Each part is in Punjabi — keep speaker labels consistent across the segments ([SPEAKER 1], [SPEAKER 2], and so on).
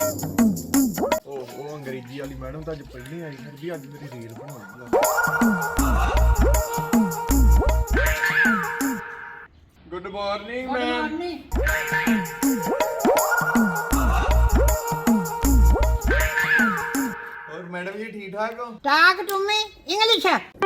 [SPEAKER 1] ਉਹ ਅੰਗਰੇਜ਼ੀ ਵਾਲੀ ਮੈਡਮ ਤਾਂ ਅੱਜ ਪਹਿਲੀ ਆਈ, ਫਿਰ ਵੀ ਅੱਜ ਮੇਰੀ ਰੀਲ ਬਣਾਉਣੀ। Good morning ma'am. और मैडम जी ठीक ठाक हो?
[SPEAKER 2] टाक तुम्हें इंग्लिश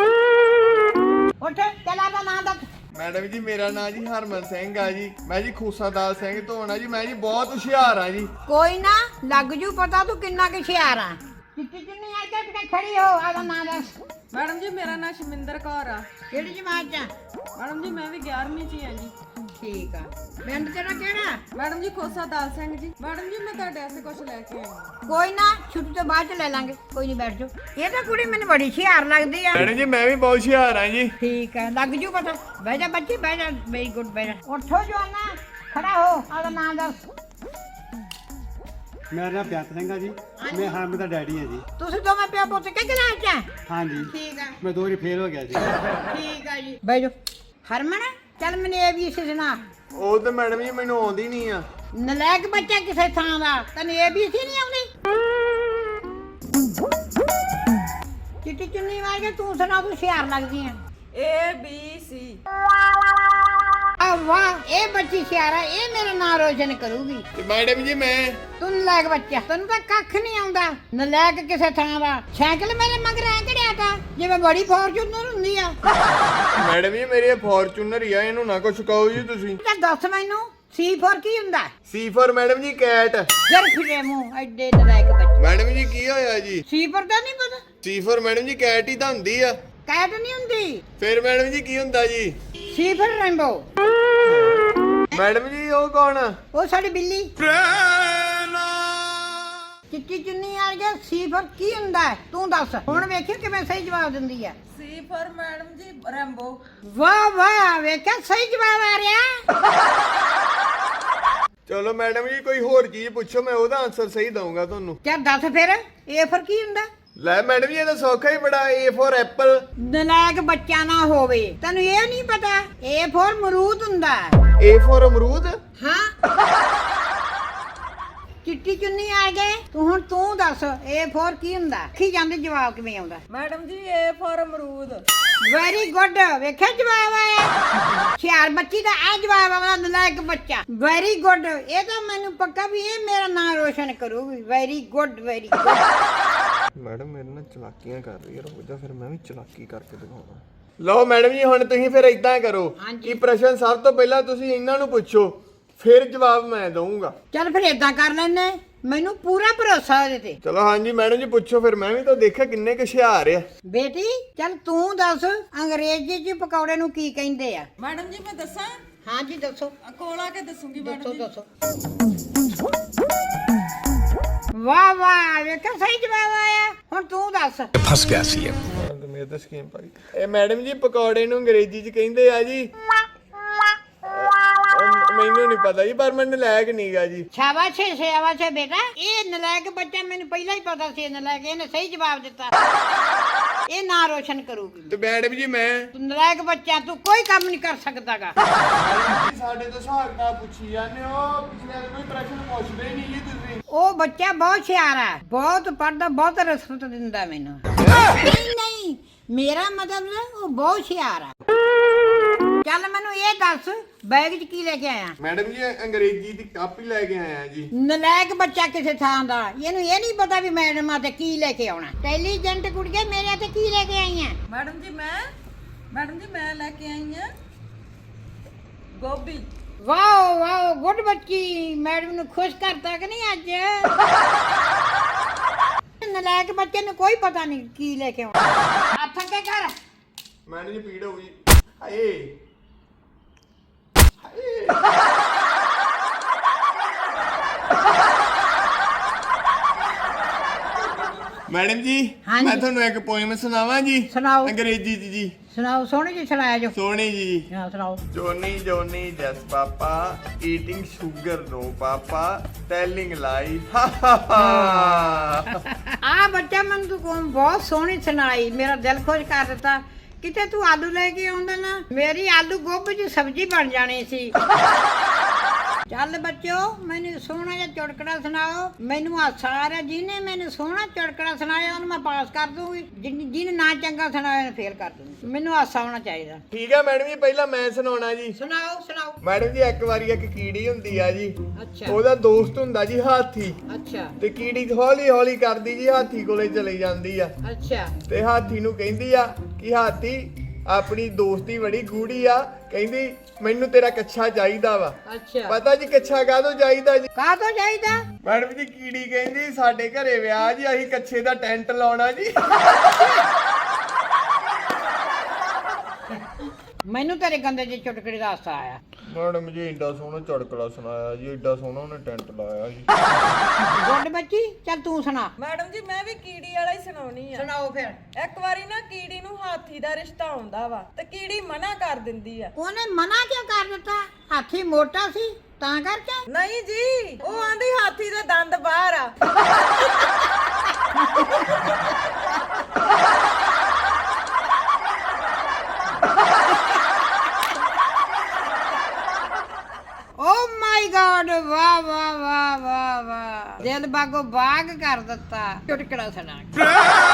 [SPEAKER 2] उठ चला दा नाम दस।
[SPEAKER 1] मैडम जी मेरा नाम जी हरमन सिंह है जी, मैं जी खूसादाल सिंह धोना जी, मैं जी बहुत हुशियार हाँ जी।
[SPEAKER 2] कोई ना लग जू पता तू किन्ना के हुशियार आ। चिट्टी चुन्नी आ के किते खड़ी हो आदा नाम दस।
[SPEAKER 3] मैडम जी मेरा नाम शमिंदर कौर आ।
[SPEAKER 2] केड़ी जमात च?
[SPEAKER 3] मैडम जी मैं भी 11वीं च हां जी।
[SPEAKER 2] ठीक आ। पिंड तेरा केड़ा?
[SPEAKER 3] मैडम जी खोसा दाल सिंह जी। मैडम जी मैं ਤੁਹਾਡੇ ਵਾਸਤੇ ਕੁਝ ਲੈ ਕੇ ਆਈ ਹਾਂ।
[SPEAKER 2] कोई ना छुट्टी तो बाद च ले लांगे, कोई नहीं बैठ जाओ। ये तो कुड़ी मैंने बड़ी हुशियार लगदी आ।
[SPEAKER 1] मैडम जी मैं भी बहुत हुशियार हाँ जी।
[SPEAKER 2] ठीक है लग जू पता। बह जा बच्ची बह जा, वेरी गुड बह जा। उठो जवाना खड़ा हो आदा नाम दस।
[SPEAKER 4] ਮੇਰਾ ਨਾਮ ਬੇਅੰਤ ਸਿੰਘ ਆ ਜੀ, ਮੈਂ ਹਰਮਨ ਦਾ ਡੈਡੀ ਹਾਂ ਜੀ।
[SPEAKER 2] ਤੁਸੀਂ ਦੋਵੇਂ ਪਿਓ ਪੁੱਤ ਕੇ ਕਲਾਸ ਚ?
[SPEAKER 4] ਹਾਂ ਜੀ,
[SPEAKER 2] ਠੀਕ ਆ
[SPEAKER 4] ਮੈਂ 2 ਵਾਰੀ ਫੇਲ ਹੋ ਗਿਆ ਜੀ।
[SPEAKER 2] ਠੀਕ ਆ ਜੀ ਬਹਿ ਜਾ। ਹਰਮਨ ਚੱਲ ਮੈਨੂੰ ਇਹ ਵੀ ਸੁਣਾ।
[SPEAKER 1] ਉਹ ਤੇ ਮੈਡਮ ਜੀ ਮੈਨੂੰ ਆਉਂਦੀ ਨਹੀਂ ਆ।
[SPEAKER 2] ਨਲਾਇਕ ਬੱਚਾ ਕਿਸੇ ਥਾਂ ਦਾ ਤੈਨੂੰ ਇਹ ਵੀ ਨਹੀਂ ਆਉਂਦੀ? ਚਿੱਟੀ ਚੁੰਨੀ ਮਾਰ ਕੇ ਤੂੰ ਸੁਣਾ, ਤੂੰ ਹੁਸ਼ਿਆਰ ਲੱਗਦੀ ਆ।
[SPEAKER 3] A B C
[SPEAKER 2] ਆ ਵਾਹ ਇਹ ਬੱਚੀ ਹੁਸ਼ਿਆਰ ਆ, ਇਹ ਮੇਰਾ ਨਾਂ ਰੋਸ਼ਨ ਕਰੂਗੀ।
[SPEAKER 1] ਤੇ ਮੈਡਮ ਜੀ ਮੈਂ
[SPEAKER 2] ਤੂੰ ਨਲਾਇਕ ਬੱਚਾ, ਤੈਨੂੰ ਤਾਂ ਕੱਖ ਨਹੀਂ ਆਉਂਦਾ। ਨਲਾਇਕ ਕਿਸੇ ਥਾਂ ਦਾ। ਸਾਈਕਲ ਮੇਰੇ ਮਗਰ ਐ ਕੜਿਆ ਤਾ ਜਿਵੇਂ ਬੜੀ ਫੋਰਚੂਨਰ ਹੁੰਦੀ ਆ।
[SPEAKER 1] ਮੈਡਮ ਜੀ ਮੇਰੀ ਫੋਰਚੂਨਰ ਹੀ ਆ, ਇਹਨੂੰ ਨਾ ਕੁਛ ਕਹੋ ਜੀ ਤੁਸੀਂ।
[SPEAKER 2] ਤਾਂ ਦੱਸ ਮੈਨੂੰ ਸੀ ਫੋਰ ਕੀ ਹੁੰਦਾ?
[SPEAKER 1] C for madam ji cat.
[SPEAKER 2] ਜਰ ਫਿਰੇ ਮੂੰਹ ਐਡੇ ਨਲਾਇਕ ਬੱਚੇ।
[SPEAKER 1] ਮੈਡਮ ਜੀ ਕੀ ਹੋਇਆ ਜੀ?
[SPEAKER 2] ਸੀ ਫੋਰ ਦਾ ਨਹੀਂ ਪਤਾ?
[SPEAKER 1] C for madam ji cat ਹੀ ਤਾਂ ਹੁੰਦੀ ਆ।
[SPEAKER 2] ਕੈਟ ਨਹੀਂ ਹੁੰਦੀ।
[SPEAKER 1] ਫਿਰ ਮੈਡਮ ਜੀ ਕੀ ਹੁੰਦਾ ਜੀ?
[SPEAKER 2] ਸੀ ਫੋਰ ਰੇਨਬੋ।
[SPEAKER 1] ਮੈਡਮ ਜੀ ਉਹ ਕੌਣ?
[SPEAKER 2] ਉਹ ਸਾਡੀ ਬਿੱਲੀ। ਚਿੱਟੀ ਚੁੰਨੀ ਆ ਗਿਆ। ਸੀ ਫੋਰ ਕੀ ਹੁੰਦਾ ਹੈ? ਤੂੰ ਦੱਸ ਹੁਣ, ਵੇਖੀ ਕਿਵੇਂ ਸਹੀ ਜਵਾਬ ਦਿੰਦੀ ਆ।
[SPEAKER 3] C for madam ji Rambo.
[SPEAKER 2] ਵਾਹ ਵਾਹ ਵੇਖਿਆ ਸਹੀ ਜਵਾਬ ਆ ਰਿਹਾ।
[SPEAKER 1] ਚਲੋ ਮੈਡਮ ਜੀ ਕੋਈ ਹੋਰ ਚੀਜ਼ ਪੁੱਛੋ, ਮੈਂ ਉਹਦਾ ਆਨਸਰ ਸਹੀ ਦਊਂਗਾ ਤੁਹਾਨੂੰ।
[SPEAKER 2] ਚੱਲ ਦੱਸ ਫਿਰ ਏ ਫੋਰ ਕੀ ਹੁੰਦਾ?
[SPEAKER 1] ਲੈ ਮੈਡਮ ਜੀ ਇਹ ਤਾਂ ਸੌਖਾ ਹੀ ਬੜਾ। A for Apple.
[SPEAKER 2] ਨਲਾਇਕ ਬੱਚਾ ਨਾ ਹੋਵੇ, ਤੈਨੂੰ ਇਹ ਨਹੀਂ ਪਤਾ ਏ ਫੋਰ ਮਰੂਦ ਹੁੰਦਾ।
[SPEAKER 1] A ਫॉर ਅਮਰੂਦ।
[SPEAKER 2] ਹਾਂ ਚਿੱਟੀ ਚੁੰਨੀ ਆ ਗਏ ਤੂੰ, ਹੁਣ ਤੂੰ ਦੱਸ ਏ ਫੋਰ ਕੀ ਹੁੰਦਾ? ਕੀ ਜਾਂਦੇ ਜਵਾਬ ਕਿਵੇਂ ਆਉਂਦਾ?
[SPEAKER 3] ਮੈਡਮ ਜੀ A for ਅਮਰੂਦ।
[SPEAKER 2] ਵੈਰੀ ਗੁੱਡ ਵੇਖਿਆ ਜਵਾਬ ਆਇਆ। ਹੁਸ਼ਿਆਰ ਬੱਚੀ ਦਾ ਆ ਜਵਾਬ ਆਉਂਦਾ, ਨਲਾਇਕ ਬੱਚਾ। ਵੈਰੀ ਗੁੱਡ, ਇਹ ਤਾਂ ਮੈਨੂੰ ਪੱਕਾ ਵੀ ਇਹ ਮੇਰਾ ਨਾਂ ਰੋਸ਼ਨ ਕਰੂਗੀ। Very good very good.
[SPEAKER 1] Madam ਮੇਰੇ ਨਾਲ ਚਲਾਕੀਆਂ ਕਰ ਰਹੀ ਹੈ, ਰੁਕ ਜਾ ਫਿਰ ਮੈਂ ਵੀ ਚਲਾਕੀ ਕਰਕੇ ਦਿਖਾਉਣਾ। ਲਓ ਮੈਡਮ ਜੀ ਹੁਣ ਤੁਸੀਂ ਫਿਰ ਇਦਾਂ ਕਰੋ ਕਿ ਪ੍ਰਸ਼ਨ ਸਭ ਤੋਂ ਪਹਿਲਾਂ ਤੁਸੀਂ ਇਹਨਾਂ ਨੂੰ ਪੁੱਛੋ, ਫਿਰ ਜਵਾਬ ਮੈਂ ਦਊਂਗਾ।
[SPEAKER 2] ਚੱਲ ਫਿਰ ਏਦਾਂ ਕਰ ਲੈਨੇ, ਮੈਨੂੰ ਪੂਰਾ ਭਰੋਸਾ ਉਹਦੇ ਤੇ।
[SPEAKER 1] ਚਲੋ ਹਾਂਜੀ ਮੈਡਮ ਜੀ ਪੁੱਛੋ, ਫਿਰ ਮੈਂ ਵੀ ਤਾਂ ਦੇਖਿਆ ਕਿੰਨੇ ਕੁ ਹੁਸ਼ਿਆਰ ਆ।
[SPEAKER 2] ਬੇਟੀ ਚੱਲ ਤੂੰ ਦੱਸ ਅੰਗਰੇਜ਼ੀ ਚ ਪਕੌੜੇ ਨੂੰ ਕੀ ਕਹਿੰਦੇ ਆ?
[SPEAKER 3] ਮੈਡਮ ਜੀ ਮੈਂ ਦੱਸਾਂ?
[SPEAKER 2] ਹਾਂਜੀ ਦੱਸੋ।
[SPEAKER 3] ਕੋਲ ਆ ਕੇ ਦੱਸੂਗੀ
[SPEAKER 2] ਦੱਸੋ
[SPEAKER 3] ਮੈਡਮ ਜੀ।
[SPEAKER 2] ਦੱਸੋ। ਵਾਹ ਵਾਹ ਵੇਖਿਆ ਸਹੀ ਜਵਾਬ ਆਇਆ। ਹੁਣ ਤੂੰ ਦੱਸ।
[SPEAKER 5] फंस गया सी
[SPEAKER 1] ਮੇਰੇ ਤਾਂ ਸਕੀਮ ਪਾਈ। ਇਹ ਮੈਡਮ ਜੀ ਪਕੌੜੇ ਨੂੰ ਅੰਗਰੇਜ਼ੀ ਚ ਕਹਿੰਦੇ ਆ ਜੀ। ਮੈਨੂੰ ਨਹੀਂ ਪਤਾ ਜੀ, ਪਰ ਮੈਨੂੰ ਨਲਾਇਕ ਨਹੀਂਗਾ ਜੀ।
[SPEAKER 2] ਸ਼ਾਬਾਸ਼ ਸ਼ਾਬਾਸ਼ ਬੇਟਾ, ਇਹ ਨਲਾਇਕ ਬੱਚਾ ਮੈਨੂੰ ਪਹਿਲਾਂ ਹੀ ਪਤਾ ਸੀ। ਨਲਾਇਕ ਇਹਨੇ ਸਹੀ ਜਵਾਬ ਦਿੱਤਾ। ਇਹ ਨਾਂ ਰੋਸ਼ਨ ਕਰੂਗੀ।
[SPEAKER 1] ਤੇ ਮੈਡਮ ਜੀ ਮੈਂ
[SPEAKER 2] ਤੂੰ ਨਲਾਇਕ ਬੱਚਾ, ਤੂੰ ਕੋਈ ਕੰਮ ਨਹੀਂ ਕਰ ਸਕਦਾਗਾ।
[SPEAKER 1] ਸਾਡੇ ਤੋਂ ਹਿਸਾਬ ਨਾਲ ਪੁੱਛੀ ਜਾਂਦੇ ਹੋ, ਪਿਛਲੇ ਕੋਈ ਪ੍ਰਸ਼ਨ ਪੁੱਛਦੇ ਹੀ ਨਹੀਂ ਜੀ ਤੁਸੀਂ।
[SPEAKER 2] ਉਹ ਬੱਚਾ ਬਹੁਤ ਹੁਸ਼ਿਆਰ ਆ, ਬਹੁਤ ਪੜਦਾ, ਬਹੁਤ ਰਿਸਪੈਕਟ ਦਿੰਦਾ ਮੈਨੂੰ। ਨਹੀਂ ਨਹੀਂ ਮੇਰਾ ਮਤਲਬ ਉਹ ਬਹੁਤ ਹੁਸ਼ਿਆਰ ਆ। ਚੱਲ ਮੈਨੂੰ ਇਹ ਦੱਸ ਬੈਗ 'ਚ ਕੀ ਲੈ ਕੇ ਆਇਆ?
[SPEAKER 1] ਮੈਡਮ ਜੀ ਅੰਗਰੇਜ਼ੀ ਦੀ ਕਾਪੀ ਲੈ ਕੇ ਆਇਆ ਜੀ।
[SPEAKER 2] ਨਲਾਇਕ ਬੱਚਾ ਕਿਸੇ ਥਾਂ ਦਾ, ਇਹਨੂੰ ਇਹ ਨਹੀਂ ਪਤਾ ਵੀ ਮੈਡਮਾਂ ਤੇ ਕੀ ਲੈ ਕੇ ਆਉਣਾ। ਇੰਟੈਲੀਜੈਂਟ ਕੁੜੀਏ ਮੇਰੇ ਤੇ ਕੀ ਲੈ ਕੇ ਆਈਆਂ?
[SPEAKER 3] ਮੈਡਮ ਜੀ ਮੈਂ ਲੈ ਕੇ ਆਈ ਹਾਂ ਗੋਭੀ।
[SPEAKER 2] ਵਾਓ ਵਾਓ ਗੁੱਡ ਬੱਚੀ, ਮੈਡਮ ਨੂੰ ਖੁਸ਼ ਕਰਤਾ ਕਿ ਨਹੀਂ ਅੱਜ? ਨਲਾਇਕ ਬੱਚੇ ਨੂੰ ਕੋਈ ਪਤਾ ਨਹੀਂ ਕੀ ਲੈ ਕੇ ਆਉਣਾ। ਹੱਥ ਅੱਗੇ ਕਰ।
[SPEAKER 1] ਮੈਡਮ ਜੀ ਪੀੜ ਹੋ ਗਈ। ਹਾਏ ਮੈਡਮ ਜੀ
[SPEAKER 2] ਹਾਂਜੀ।
[SPEAKER 1] ਮੈਂ ਤੁਹਾਨੂੰ ਇੱਕ ਪੋਇਮ ਸੁਣਾਵਾਂ ਜੀ।
[SPEAKER 2] ਸੁਣਾਓ।
[SPEAKER 1] ਅੰਗਰੇਜ਼ੀ ਚ ਜੀ।
[SPEAKER 2] ਸੁਣਾਓ, ਸੋਹਣੀ ਜੀ ਸੁਣਾਇਆ ਜੋ।
[SPEAKER 1] ਸੋਹਣੀ ਜੀ।
[SPEAKER 2] ਹਾਂ ਸੁਣਾਓ।
[SPEAKER 1] Johnny Johnny yes papa eating sugar no papa telling lie.
[SPEAKER 2] ਆ ਬੱਚਾ ਮੈਨੂੰ ਤੂੰ ਬਹੁਤ ਸੋਹਣੀ ਸੁਣਾਈ, ਮੇਰਾ ਦਿਲ ਖੁਸ਼ ਕਰ ਦਿੱਤਾ। ਕਿਤੇ ਤੂੰ ਆਲੂ ਲੈ ਕੇ ਆਉਂਦਾ ਨਾ, ਮੇਰੀ ਆਲੂ ਗੋਭੀ ਦੀ ਸਬਜ਼ੀ ਬਣ ਜਾਣੀ ਸੀ। ਚੱਲ ਬੱਚਿਓ ਮੈਨੂੰ ਸੋਹਣਾ ਜਿਹਾ ਚੁਟਕੜਾ ਸੁਣਾਓ। ਮੈਨੂੰ ਹਾਸਾ ਆ ਰਿਹਾ, ਜਿਹਨੇ ਮੈਨੂੰ ਸੋਹਣਾ ਚੁਟਕੜਾ ਸੁਣਾਇਆ ਉਹਨੂੰ ਮੈਂ ਪਾਸ ਕਰ ਦੂੰਗੀ, ਜਿਹਨੇ ਨਾ ਚੰਗਾ ਸੁਣਾਇਆ ਉਹਨੂੰ ਫੇਲ ਕਰ ਦੂੰਗੀ। ਮੈਨੂੰ ਹਾਸਾ ਆਉਣਾ ਚਾਹੀਦਾ।
[SPEAKER 1] ਠੀਕ ਹੈ ਮੈਡਮ ਜੀ, ਪਹਿਲਾਂ ਮੈਂ ਸੁਣਾਉਣਾ ਜੀ।
[SPEAKER 2] ਸੁਣਾਓ ਸੁਣਾਓ।
[SPEAKER 1] ਮੈਡਮ ਜੀ ਇੱਕ ਵਾਰੀ ਇੱਕ ਕੀੜੀ ਹੁੰਦੀ ਆ ਜੀ,
[SPEAKER 2] ਅੱਛਾ
[SPEAKER 1] ਉਹਦਾ ਦੋਸਤ ਹੁੰਦਾ ਜੀ ਹਾਥੀ,
[SPEAKER 2] ਅੱਛਾ
[SPEAKER 1] ਤੇ ਕੀੜੀ ਹੌਲੀ ਹੌਲੀ ਕਰਦੀ ਜੀ ਹਾਥੀ ਕੋਲੇ ਚਲੀ ਜਾਂਦੀ ਆ,
[SPEAKER 2] ਅੱਛਾ
[SPEAKER 1] ਤੇ ਹਾਥੀ ਨੂੰ ਕਹਿੰਦੀ ਆ ਕਿ ਹਾਥੀ ਆਪਣੀ ਦੋਸਤੀ ਬੜੀ ਗੂੜੀ ਆ, ਕਹਿੰਦੀ ਮੈਨੂੰ ਤੇਰਾ ਕੱਛਾ ਚਾਹੀਦਾ ਵਾ।
[SPEAKER 2] ਅੱਛਾ
[SPEAKER 1] ਪਤਾ ਜੀ ਕੱਛਾ ਕਾਹਦੋਂ ਚਾਹੀਦਾ ਜੀ?
[SPEAKER 2] ਕਾਹਤੋਂ ਚਾਹੀਦਾ?
[SPEAKER 1] ਮੈਡਮ ਜੀ ਕੀੜੀ ਕਹਿੰਦੀ ਸਾਡੇ ਘਰੇ ਵਿਆਹ ਜੀ, ਅਸੀਂ ਕੱਛੇ ਦਾ ਟੈਂਟ ਲਾਉਣਾ ਜੀ।
[SPEAKER 2] ਮੈਨੂੰ ਤੇਰੇ ਗੰਦੇ ਜਿਹੇ ਚੁਟਕੜੇ ਦਾ ਹਾਸਾ ਆਇਆ।
[SPEAKER 1] ਮੈਡਮ ਜੀ ਏਡਾ ਸੋਹਣਾ ਚੜਕਲਾ ਸੁਣਾਇਆ ਜੀ, ਏਡਾ ਸੋਹਣਾ ਉਹਨੇ ਟੈਂਟ ਲਾਇਆ ਜੀ।
[SPEAKER 2] ਗੁੱਡ ਬੱਚੀ, ਚੱਲ ਤੂੰ ਸੁਣਾ।
[SPEAKER 3] ਮੈਡਮ ਜੀ ਮੈਂ ਵੀ ਕੀੜੀ ਵਾਲਾ ਹੀ ਸੁਣਾਉਣੀ ਆ।
[SPEAKER 2] ਸੁਣਾਓ ਫਿਰ।
[SPEAKER 3] ਇੱਕ ਵਾਰੀ ਨਾ ਕੀੜੀ ਨੂੰ ਹਾਥੀ ਦਾ ਰਿਸ਼ਤਾ ਆਉਂਦਾ ਵਾ ਤੇ ਕੀੜੀ ਮਨਾ ਕਰ ਦਿੰਦੀ ਆ।
[SPEAKER 2] ਉਹਨੇ ਮਨਾ ਕਿਉਂ ਕਰ ਦਿੱਤਾ? ਹਾਥੀ ਮੋਟਾ ਸੀ ਤਾਂ ਕਰਕੇ?
[SPEAKER 3] ਨਹੀਂ ਜੀ, ਉਹ ਆਂਦੀ ਹਾਥੀ ਦੇ ਦੰਦ ਬਾਹਰ ਆ।
[SPEAKER 2] ਓ ਮਾਈ ਗॉड, ਵਾਹ ਵਾਹ ਵਾਹ ਵਾਹ ਵਾਹ, ਦਿਲ ਬਾਗੋ ਬਾਗ ਕਰ ਦਿੱਤਾ ਚੁਟਕੜਾ ਸੁਣਾ ਕੇ।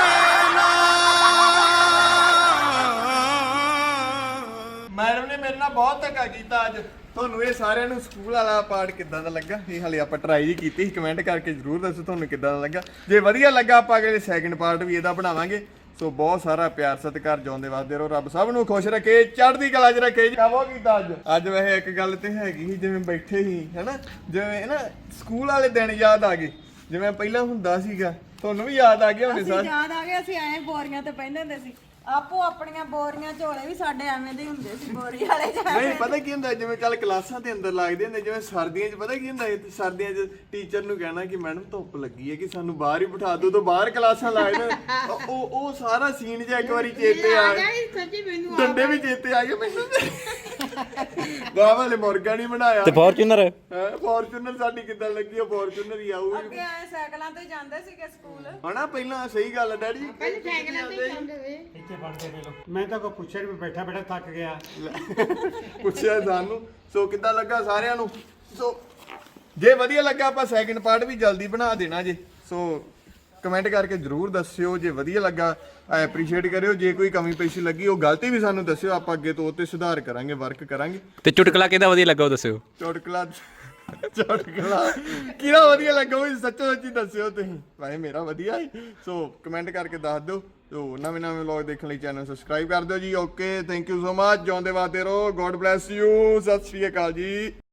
[SPEAKER 1] ਮੈਡਮ ਨੇ ਮੇਰੇ ਨਾਲ ਬਹੁਤ ਧੱਕਾ ਕੀਤਾ ਅੱਜ। ਤੁਹਾਨੂੰ ਇਹ ਸਾਰਿਆਂ ਨੂੰ ਸਕੂਲ ਵਾਲਾ ਪਾਰਟ ਕਿੱਦਾਂ ਦਾ ਲੱਗਾ? ਇਹ ਹਾਲੇ ਆਪਾਂ ਟਰਾਈ ਹੀ ਕੀਤੀ ਸੀ, ਕਮੈਂਟ ਕਰਕੇ ਜਰੂਰ ਦੱਸੋ ਤੁਹਾਨੂੰ ਕਿੱਦਾਂ ਦਾ ਲੱਗਾ। ਜੇ ਵਧੀਆ ਲੱਗਾ ਆਪਾਂ ਅਗਲੇ ਸੈਕਿੰਡ ਪਾਰਟ ਵੀ ਇਹਦਾ ਬਣਾਵਾਂਗੇ। ਸੋ ਬਹੁਤ ਸਾਰਾ ਪਿਆਰ ਸਤਿਕਾਰ, ਜਿਉਂਦੇ ਵਸਦੇ ਰਹੋ, ਰੱਬ ਸਭ ਨੂੰ ਖੁਸ਼ ਰੱਖੇ, ਚੜ੍ਹਦੀ ਕਲਾ 'ਚ ਰੱਖੇ। ਕਾਹੋ ਕੀਤਾ ਅੱਜ ਵੈਸੇ ਇੱਕ ਗੱਲ ਤੇ ਹੈਗੀ ਸੀ, ਜਿਵੇਂ ਬੈਠੇ ਸੀ ਹਨਾ, ਜਿਵੇਂ ਨਾ ਸਕੂਲ ਵਾਲੇ ਦਿਨ ਯਾਦ ਆ ਗਏ, ਜਿਵੇਂ ਪਹਿਲਾਂ ਹੁੰਦਾ ਸੀਗਾ। ਤੁਹਾਨੂੰ ਵੀ ਯਾਦ ਆ ਗਿਆ ਹੋਣੇ
[SPEAKER 3] ਅਸੀਂ
[SPEAKER 1] ਸਾਰੇ?
[SPEAKER 3] ਯਾਦ ਆ ਗਿਆ, ਅਸੀਂ ਐਂ ਬੋਰੀਆਂ ਤੇ ਪੈਂਦੇ ਹੁੰਦੇ ਸੀ। ਆਪੋ ਆਪਣੀਆਂ ਬੋਰੀਆਂ ਝੋਲੇ ਵੀ ਸਾਡੇ ਐਵੇਂ ਦੇ ਹੁੰਦੇ ਸੀ, ਬੋਰੀ ਵਾਲੇ
[SPEAKER 1] ਨਹੀਂ ਪਤਾ ਕੀ ਹੁੰਦਾ, ਜਿਵੇਂ ਚੱਲ ਕਲਾਸਾਂ ਦੇ ਅੰਦਰ ਲੱਗਦੇ ਹੁੰਦੇ, ਜਿਵੇਂ ਸਰਦੀਆਂ 'ਚ ਪਤਾ ਕੀ ਹੁੰਦਾ, ਸਰਦੀਆਂ 'ਚ ਟੀਚਰ ਨੂੰ ਕਹਿਣਾ ਕਿ ਮੈਡਮ ਧੁੱਪ ਲੱਗੀ ਹੈ ਕਿ ਸਾਨੂੰ ਬਾਹਰ ਹੀ ਬਿਠਾ ਦਿਓ, ਤਾਂ ਬਾਹਰ ਕਲਾਸਾਂ ਲੱਗਦੇ। ਉਹ ਸਾਰਾ ਸੀਨ ਜਿਹਾ ਇੱਕ ਵਾਰੀ ਚੇਤੇ ਆ ਗਿਆ,
[SPEAKER 2] ਸੱਚੀ ਮੈਨੂੰ
[SPEAKER 1] ਡੰਡੇ ਵੀ ਚੇਤੇ ਆ ਗਏ ਮੈਨੂੰ। ਵਾਹ ਵਾਲੇ ਮੁਰਗਾ ਨਹੀਂ ਬਣਾਇਆ
[SPEAKER 5] ਤੇ ਫੋਰਚੂਨਰ
[SPEAKER 1] ਫੋਰਚੂਨਰ ਸਾਡੀ ਕਿੱਦਾਂ ਲੱਗੀ? ਉਹ ਫੋਰਚੂਨਰ ਹੀ ਆਊ
[SPEAKER 3] ਅੱਗੇ ਆਏ ਸਾਈਕਲਾਂ ਤੇ ਜਾਂਦੇ ਸੀਗੇ ਸਕੂਲ।
[SPEAKER 1] ਹਨਾ, ਪਹਿਲਾਂ ਸਹੀ ਗੱਲ ਹੈ ਡੈਡੀ।
[SPEAKER 2] ਪਹਿਲੇ ਸਾਈਕਲਾਂ ਤੇ ਜਾਂਦੇ ਸੀ।
[SPEAKER 4] ਇੱਥੇ ਪੜਦੇ ਵੇ ਲੋ। ਮੈਂ ਤਾਂ ਕੋਈ ਪੁੱਛਿਆ ਨਹੀਂ, ਬੈਠਾ ਬੈਠਾ ਥੱਕ ਗਿਆ।
[SPEAKER 1] ਪੁੱਛਿਆ ਸਾਨੂੰ। ਸੋ ਕਿੱਦਾਂ ਲੱਗਾ ਸਾਰਿਆਂ ਨੂੰ? ਸੋ ਜੇ ਵਧੀਆ ਲੱਗਾ ਆਪਾਂ ਸੈਕਿੰਡ ਪਾਰਟ ਵੀ ਜਲਦੀ ਬਣਾ ਦੇਣਾ ਜੇ। ਸੋ ਕਮੈਂਟ ਕਰਕੇ ਜਰੂਰ ਦੱਸਿਓ। ਜੇ ਵਧੀਆ ਲੱਗਾ ਐਪਰੀਸ਼ੀਏਟ ਕਰਿਓ, ਜੇ ਕੋਈ ਕਮੀ ਪੇਸ਼ੀ ਲੱਗੀ ਉਹ ਗਲਤੀ ਵੀ ਸਾਨੂੰ ਦੱਸਿਓ, ਆਪਾਂ ਅੱਗੇ ਤੋਂ ਉਹ ਤੇ ਸੁਧਾਰ ਕਰਾਂਗੇ, ਵਰਕ ਕਰਾਂਗੇ।
[SPEAKER 5] ਤੇ ਚੁਟਕਲਾ ਕਿਹਦਾ ਵਧੀਆ ਲੱਗਾ ਉਹ ਦੱਸਿਓ।
[SPEAKER 1] ਚੁਟਕਲਾ ਕਿਹੜਾ ਵਧੀਆ ਲੱਗਾ ਉਹ ਸੱਚੋ ਸੱਚੀ ਦੱਸਿਓ ਤੁਸੀਂ। ਭਾਈ ਮੇਰਾ ਵਧੀਆ ਹੈ। ਸੋ ਕਮੈਂਟ ਕਰਕੇ ਦੱਸ ਦਿਓ। ਸੋ ਨਵੇਂ ਵਲੌਗ ਦੇਖਣ ਲਈ ਚੈਨਲ ਸਬਸਕ੍ਰਾਈਬ ਕਰ ਦਿਓ ਜੀ। Okay, thank you so much. ਜਿਉਂਦੇ ਵਾਸਤੇ ਰਹੋ। God bless you. ਸਤਿ ਸ਼੍ਰੀ ਅਕਾਲ ਜੀ।